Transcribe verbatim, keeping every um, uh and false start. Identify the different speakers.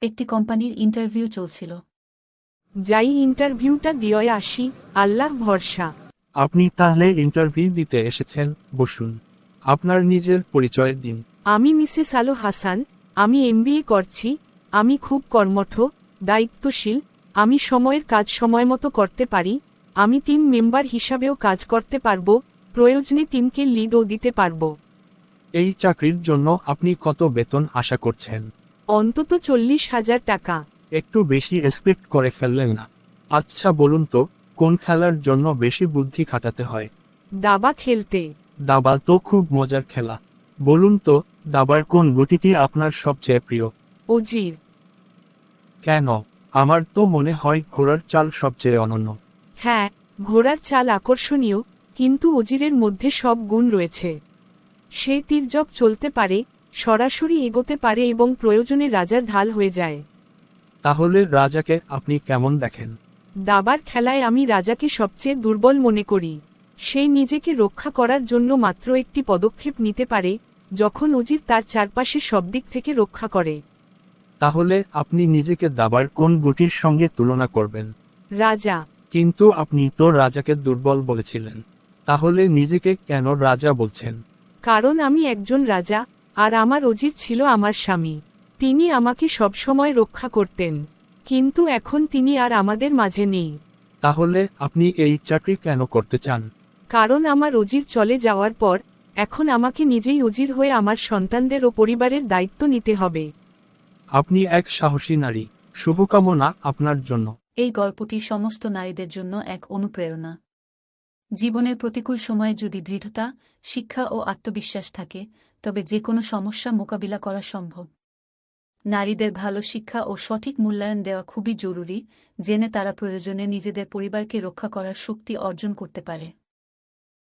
Speaker 1: একটি কোম্পানির ইন্টারভিউ চলছিল।
Speaker 2: যাই ইন্টারভিউটা দিয়ে আসি, আল্লাহর ভরসা।
Speaker 3: আপনি তাহলে ইন্টারভিউ দিতে এসেছেন, বসুন। আপনার নিজের পরিচয় দিন।
Speaker 2: আমি মিসেস আলো হাসান, আমি এমবিএ করছি। আমি খুব কর্মঠ, দায়িত্বশীল। আমি সময়ের কাজ সময়মতো করতে পারি। আমি টিম মেম্বার হিসাবেও কাজ করতে পারবো, প্রয়োজনে টিমকে লিডও দিতে পারবো।
Speaker 3: এই চাকরির জন্য আপনি কত বেতন আশা করছেন?
Speaker 2: অন্তত চল্লিশ হাজার টাকা।
Speaker 3: একটু বেশি এক্সপেক্ট করে ফেললেন না? আচ্ছা বলুন তো, কোন খেলার জন্য বেশি বুদ্ধি খাটাতে হয়?
Speaker 2: দাবা খেলতে।
Speaker 3: দাবা তো খুব মজার খেলা। বলুন তো, দাবার কোন গুটিটি আপনার সবচেয়ে প্রিয়?
Speaker 2: অজির।
Speaker 3: কেন? আমার তো মনে হয় ঘোড়ার চাল সবচেয়ে অনন্য।
Speaker 2: হ্যাঁ, ঘোড়ার চাল আকর্ষণীয়, কিন্তু অজিরের মধ্যে সব গুণ রয়েছে। সে তীর্যক চলতে পারে, সরাসরি এগোতে পারে এবং প্রয়োজনে রাজার ঢাল হয়ে যায়।
Speaker 3: তাহলে রাজাকে আপনি কেমন দেখেন?
Speaker 2: দাবার খেলায় আমি রাজাকে সবচেয়ে দুর্বল মনে করি। সে নিজেকে রক্ষা করার জন্য মাত্র একটি পদক্ষেপ নিতে পারে, যখন অজির তার চারপাশে সব দিক থেকে রক্ষা করে।
Speaker 3: তাহলে আপনি নিজেকে দাবার কোন গুটির সঙ্গে তুলনা করবেন?
Speaker 2: রাজা।
Speaker 3: কিন্তু আপনি তো রাজাকে দুর্বল বলেছিলেন। তাহলে নিজেকে কেন রাজা বলছেন?
Speaker 2: কারণ আমি একজন রাজা, আর আমার অজির ছিল আমার স্বামী। তিনি আমাকে সবসময় রক্ষা করতেন, কিন্তু এখন তিনি আর আমাদের মাঝে নেই।
Speaker 3: তাহলে আপনি এই চাকরি কেন করতে চান?
Speaker 2: কারণ আমার অজির চলে যাওয়ার পর এখন আমাকে নিজেই অজির হয়ে আমার সন্তানদের ও পরিবারের দায়িত্ব নিতে হবে।
Speaker 3: আপনি এক সাহসী নারী। শুভকামনা আপনার জন্য।
Speaker 1: এই গল্পটি সমস্ত নারীদের জন্য এক অনুপ্রেরণা। জীবনের প্রতিকূল সময়ে যদি দৃঢ়তা, শিক্ষা ও আত্মবিশ্বাস থাকে, তবে যে কোনো সমস্যা মোকাবিলা করা সম্ভব। নারীদের ভালো শিক্ষা ও সঠিক মূল্যায়ন দেওয়া খুবই জরুরি, জেনে তারা প্রয়োজনে নিজেদের পরিবারকে রক্ষা করার শক্তি অর্জন করতে পারে।